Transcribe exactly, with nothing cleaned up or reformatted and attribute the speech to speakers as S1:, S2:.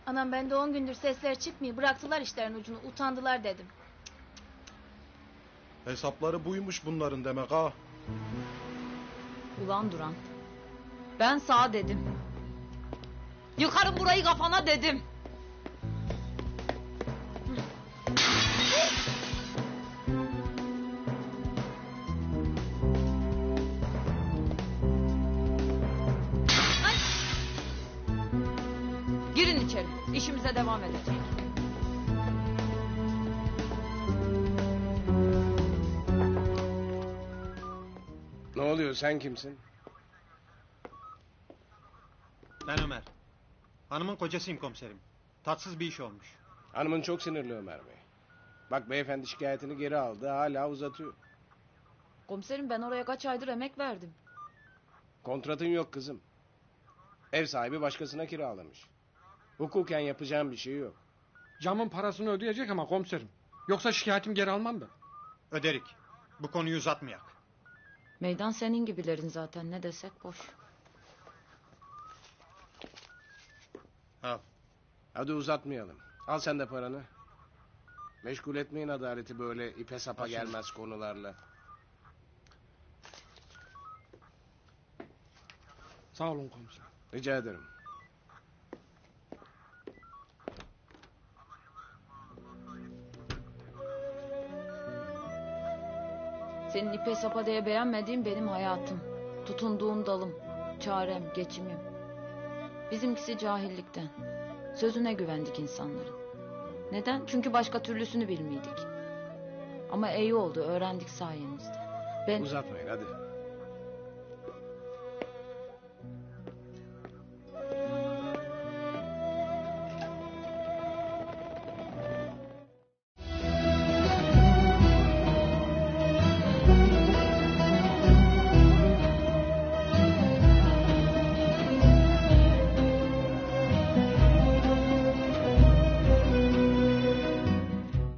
S1: Anam ben de on gündür sesler çıkmıyor. Bıraktılar işlerin ucunu. Utandılar dedim.
S2: Hesapları buymuş bunların demek ha.
S3: Ulan Duran. Ben sağ dedim. Yıkarım burayı kafana dedim. Ay! Girin içeri. İşimize devam edecek.
S4: Ne oluyor, sen kimsin?
S5: Ben Ömer. Hanımın kocasıyım komiserim. Tatsız bir iş olmuş.
S4: Hanımın çok sinirli Ömer Bey. Bak beyefendi şikayetini geri aldı, hala uzatıyor.
S3: Komiserim ben oraya kaç aydır emek verdim.
S4: Kontratın yok kızım. Ev sahibi başkasına kiralamış. Hukuken yapacağım bir şey yok.
S6: Camın parasını ödeyecek ama komiserim. Yoksa şikayetim geri almam ben.
S5: Öderik. Bu konuyu uzatmayak.
S3: Meydan senin gibilerin zaten, ne desek boş.
S5: Al.
S4: Hadi uzatmayalım. Al sen de paranı. Meşgul etmeyin adaleti böyle ipe sapa
S5: Al şunu.
S4: gelmez konularla.
S6: Sağ olun komiserim.
S4: Rica ederim.
S3: Senin ipe sapa diye beğenmediğin benim hayatım. Tutunduğum dalım, çarem, geçimim. Bizimkisi cahillikten. Sözüne güvendik insanların. Neden? Çünkü başka türlüsünü bilmiydik. Ama iyi oldu, öğrendik sayenizde. Ben...
S4: Uzatmayın hadi.